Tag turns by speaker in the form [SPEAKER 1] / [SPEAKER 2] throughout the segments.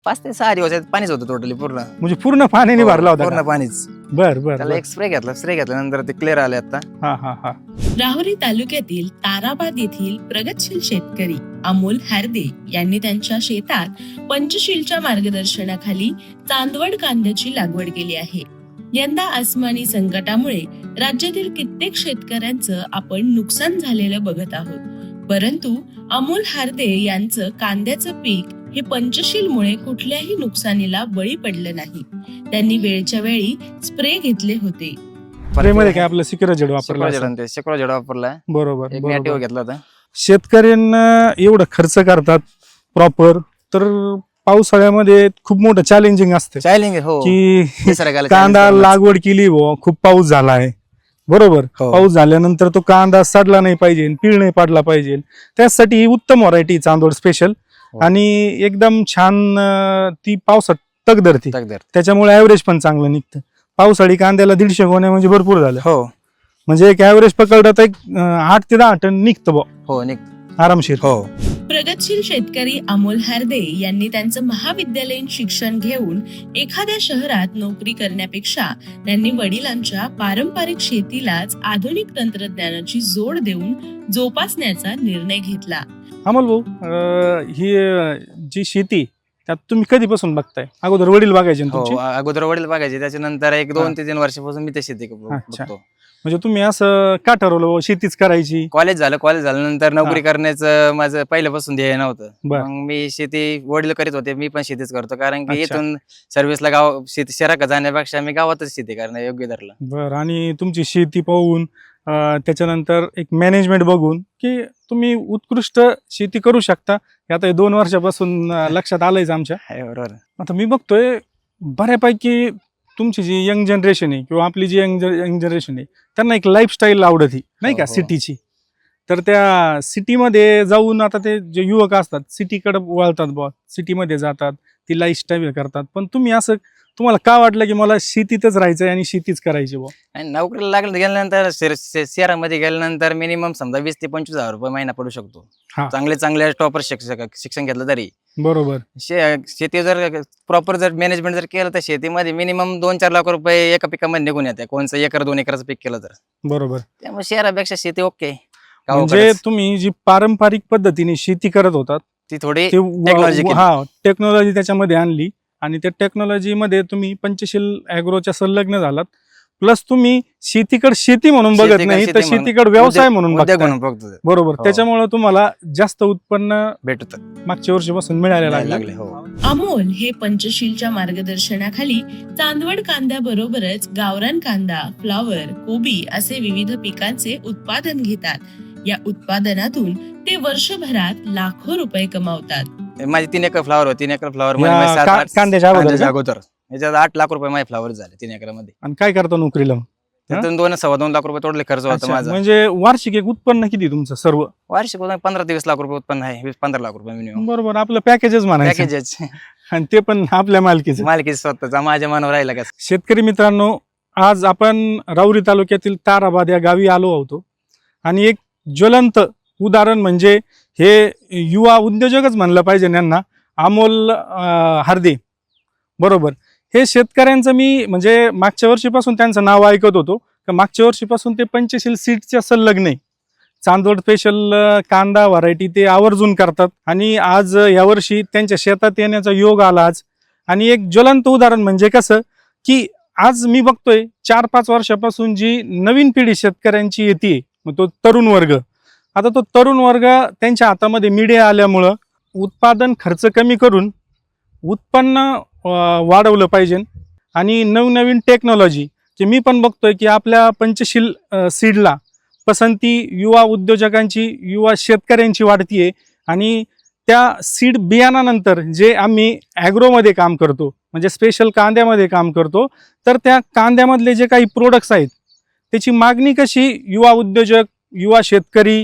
[SPEAKER 1] 5 ते 6 दिवस पाणीच होतं टोटली पूर्ण.
[SPEAKER 2] म्हणजे पूर्ण पाण्याने भरला होता
[SPEAKER 1] पूर्ण
[SPEAKER 2] का?
[SPEAKER 1] पाणीच.
[SPEAKER 2] बर बर
[SPEAKER 1] त्याला एक स्प्रे घेतल्यानंतर ते क्लिअर आले आता.
[SPEAKER 2] हा हा हा.
[SPEAKER 3] राहुरी तालुक्यातील ताराबाद येथील प्रगतशील शेतकरी अमोल हार्दे यांनी त्यांच्या शेतात पंचशीलच्या मार्गदर्शनाखाली चांदवड कांद्याची लागवड केली आहे. यंदा आसमानी संकटामुळे राज्यातील कित्येक शेतकऱ्यांचं आपण नुकसान झालेलं बघत आहोत. परंतु अमोल हार्दे यांचं कांद्याचं पीक हे पंचशीलमुळे कुठल्याही नुकसानीला बळी पडलं नाही. त्यांनी वेळच्या वेळी स्प्रे घेतले होते.
[SPEAKER 2] स्प्रेमध्ये काय आपलं सिक्युअर जेड वापरला असेल.
[SPEAKER 1] शेकडो जेड वापरला.
[SPEAKER 2] बरोबर
[SPEAKER 1] एक
[SPEAKER 2] बरोबर.
[SPEAKER 1] नॅटिव्ह घेतला होता.
[SPEAKER 2] शेतकऱ्यांना एवढं खर्च करतात प्रॉपर, तर पावसाळ्यामध्ये खूप मोठं चॅलेंजिंग असतं
[SPEAKER 1] चॅलेंज हो.
[SPEAKER 2] की
[SPEAKER 1] निसर्गाला
[SPEAKER 2] कांदा
[SPEAKER 1] challenge करूनच.
[SPEAKER 2] लागवड केली खूप पाऊस झालाय बरोबर.
[SPEAKER 1] हो.
[SPEAKER 2] पाऊस झाल्यानंतर तो कांदा सडला नाही पाहिजे, पीळ नाही पडला पाहिजे. त्यासाठी ही उत्तम व्हरायटी चांदोड स्पेशल.
[SPEAKER 1] हो.
[SPEAKER 2] आणि एकदम छान ती पावसात तग धरते,
[SPEAKER 1] तगदर.
[SPEAKER 2] त्याच्यामुळे ऍव्हरेज पण चांगलं निघतं. पावसाळी कांद्याला 150 गोण्या म्हणजे भरपूर झालं.
[SPEAKER 1] हो
[SPEAKER 2] म्हणजे एक ऍव्हरेज पकडलं तर 8 ते 10 टन निघतं बुवा
[SPEAKER 1] हो
[SPEAKER 2] आरामशीर.
[SPEAKER 1] हो.
[SPEAKER 3] प्रगतशील शेतकरी अमोल हार्दे यांनी त्यांचं महाविद्यालयीन शिक्षण घेऊन एखाद्या शहरात नोकरी करण्यापेक्षा त्यांनी वडिलांच्या पारंपरिक शेतीलाच आधुनिक तंत्रज्ञानाची जोड देऊन जोपासण्याचा निर्णय घेतला.
[SPEAKER 2] अमोल भाऊ, ही जी शेती त्यात तुम्ही कधीपासून बघताय? अगोदर वडील बघायचे ना तुमचे?
[SPEAKER 1] हो अगोदर वडील बघायचे, त्याच्यानंतर एक 2 ते 3 वर्षापासून मी ते शेती
[SPEAKER 2] अच्छा.
[SPEAKER 1] बघतो.
[SPEAKER 2] म्हणजे तुम्ही असं का ठरवलं शेतीच करायची?
[SPEAKER 1] कॉलेज झाल्यानंतर नोकरी करण्याचं माझं पहिल्यापासून ध्येय नव्हतं.
[SPEAKER 2] बर.
[SPEAKER 1] मग मी शेती वडील करीत होते, मी पण शेतीच करतो, कारण की
[SPEAKER 2] अच्छा.
[SPEAKER 1] इथून सर्व्हिसला गाव शेती शहरात जाण्यापेक्षा मी गावातच शेती करणं योग्य धरलं.
[SPEAKER 2] बर. आणि तुमची शेती पाहून त्याच्यानंतर एक मॅनेजमेंट बघून की तुम्ही उत्कृष्ट शेती करू शकता, हे आता 2 वर्षापासून लक्षात आलंयच आमच्या.
[SPEAKER 1] आहे बरोबर.
[SPEAKER 2] आता मी बघतोय बऱ्यापैकी तुमची जी यंग जनरेशन आहे किंवा आपली जी यंग जनरेशन आहे त्यांना एक लाईफस्टाईल आवडत ही नाही का
[SPEAKER 1] हो, हो.
[SPEAKER 2] सिटीची. तर त्या सिटीमध्ये जाऊन आता ते जे युवक असतात सिटीकडे वळतात बुवा, सिटीमध्ये जातात, ती लाईफस्टाईल करतात. पण तुम्ही असं तुम्हाला का वाटलं की मला शेतीतच राहायचंय आणि शेतीच करायची बुवा?
[SPEAKER 1] आणि नोकरीला गेल्यानंतर शहरामध्ये गेल्यानंतर मिनिमम समजा 20 ते 25 हजार रुपये महिना पडू शकतो.
[SPEAKER 2] हा.
[SPEAKER 1] चांगले टॉपर शिक्षण घेतलं तरी.
[SPEAKER 2] बरोबर.
[SPEAKER 1] शेती जर प्रॉपर जर मॅनेजमेंट जर केलं तर शेतीमध्ये मिनिमम 2-4 लाख रुपये एका पिकामध्ये निघून येते, कोणचं 1-2 एकराचं पीक केलं तर.
[SPEAKER 2] बरोबर.
[SPEAKER 1] त्यामुळे शहरापेक्षा शेती ओके.
[SPEAKER 2] म्हणजे तुम्ही जी पारंपरिक पद्धतीने शेती करत होतात
[SPEAKER 1] ती थोडी
[SPEAKER 2] ते
[SPEAKER 1] टेक्नॉलॉजी
[SPEAKER 2] टेक्नॉलॉजी त्याच्यामध्ये आणली आणि त्या टेक्नॉलॉजीमध्ये तुम्ही पंचशील ॲग्रोच्या संलग्न झालात. प्लस तुम्ही शेतीकडे शेती म्हणून बघत नाही तर शेतीकडे व्यवसाय म्हणून बघताय. बरोबर.
[SPEAKER 1] हो.
[SPEAKER 2] त्याच्यामुळे तुम्हाला जास्त उत्पन्न
[SPEAKER 1] भेटत
[SPEAKER 2] मागच्या वर्षीपासून मिळायला लागले.
[SPEAKER 1] हो.
[SPEAKER 3] अमोल हे पंचशीलच्या मार्गदर्शनाखाली चांदवड कांद्याबरोबरच गावरान कांदा, फ्लावर, कोबी असे विविध पिकांचे उत्पादन घेतात. या उत्पादनातून ते वर्षभरात लाखो रुपये कमावतात.
[SPEAKER 1] माझी 3 एकर फ्लावर होती. 3 एकर फ्लावर
[SPEAKER 2] कांद्याच्या
[SPEAKER 1] अगोदर याच्यात 8 लाख रुपये माझे फ्लावर झाले 3 एकरामध्ये.
[SPEAKER 2] आणि काय करतो नोकरीला?
[SPEAKER 1] त्यातून 2-2.25 लाख रुपये टोटल खर्च होता
[SPEAKER 2] अच्छा.
[SPEAKER 1] माझा.
[SPEAKER 2] म्हणजे वार्षिक एक उत्पन्न किती तुमचं सर्व?
[SPEAKER 1] वार्षिक 15 ते 20 लाख रुपये उत्पन्न आहे. 15 लाख रुपये मिनिमम
[SPEAKER 2] बरोबर. आपलं पॅकेजच म्हणायचं.
[SPEAKER 1] पॅकेजेस.
[SPEAKER 2] आणि ते पण आपल्या मालकीचं.
[SPEAKER 1] मालकी स्वतःचा माझ्या मनावर राहिला का.
[SPEAKER 2] शेतकरी मित्रांनो, आज आपण राहुरी तालुक्यातील ताराबाद या गावी आलो आहोत आणि एक ज्वलंत उदाहरण म्हणजे हे युवा उद्योजकच म्हणलं पाहिजे यांना, अमोल हार्दे. बरोबर. हे शेतकऱ्यांचं मी म्हणजे मागच्या वर्षीपासून त्यांचं नाव ऐकत होतो, तर मागच्या वर्षीपासून ते पंचशील सीड्सच्या संलग्न आहे. चांदोड स्पेशल कांदा व्हरायटी ते आवर्जून करतात आणि आज यावर्षी त्यांच्या शेतात येण्याचा योग आला आज. आणि एक ज्वलंत उदाहरण म्हणजे कसं की आज मी बघतोय 4-5 वर्षापासून जी नवीन पिढी शेतकऱ्यांची येते, मग तो तरुण वर्ग, आता तो तरुण वर्ग त्यांच्या हातामध्ये मीडिया आल्यामुळं उत्पादन खर्च कमी करून उत्पन्न वाढवलं पाहिजे. आणि नवनवीन टेक्नॉलॉजी जे मी पण बघतोय की आपल्या पंचशील सीडला पसंती युवा उद्योजकांची, युवा शेतकऱ्यांची वाढतीये. आणि त्या सीड बियाणानंतर जे आम्ही ॲग्रोमध्ये काम करतो म्हणजे स्पेशल कांद्यामध्ये काम करतो, तर त्या कांद्यामधले जे काही प्रोडक्ट्स आहेत त्याची मागणी कशी युवा उद्योजक, युवा शेतकरी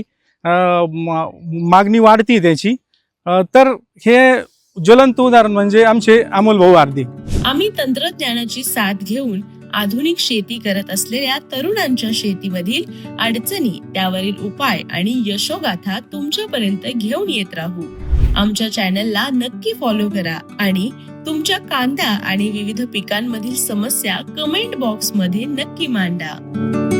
[SPEAKER 2] मागणी वाढती त्याची. तर हे ज्वलंत उदाहरण म्हणजे आमचे अमोल भाऊ हार्दे.
[SPEAKER 3] आम्ही तंत्रज्ञानाची साथ घेऊन आधुनिक शेती करत असलेल्या तरुणांच्या शेतीमधील अडचणी, त्यावरील उपाय आणि यशोगाथा तुमच्यापर्यंत घेऊन येत राहू. आमच्या चॅनलला नक्की फॉलो करा आणि तुमच्या कांदा आणि विविध पिकांमधील समस्या कमेंट बॉक्स मध्ये नक्की मांडा.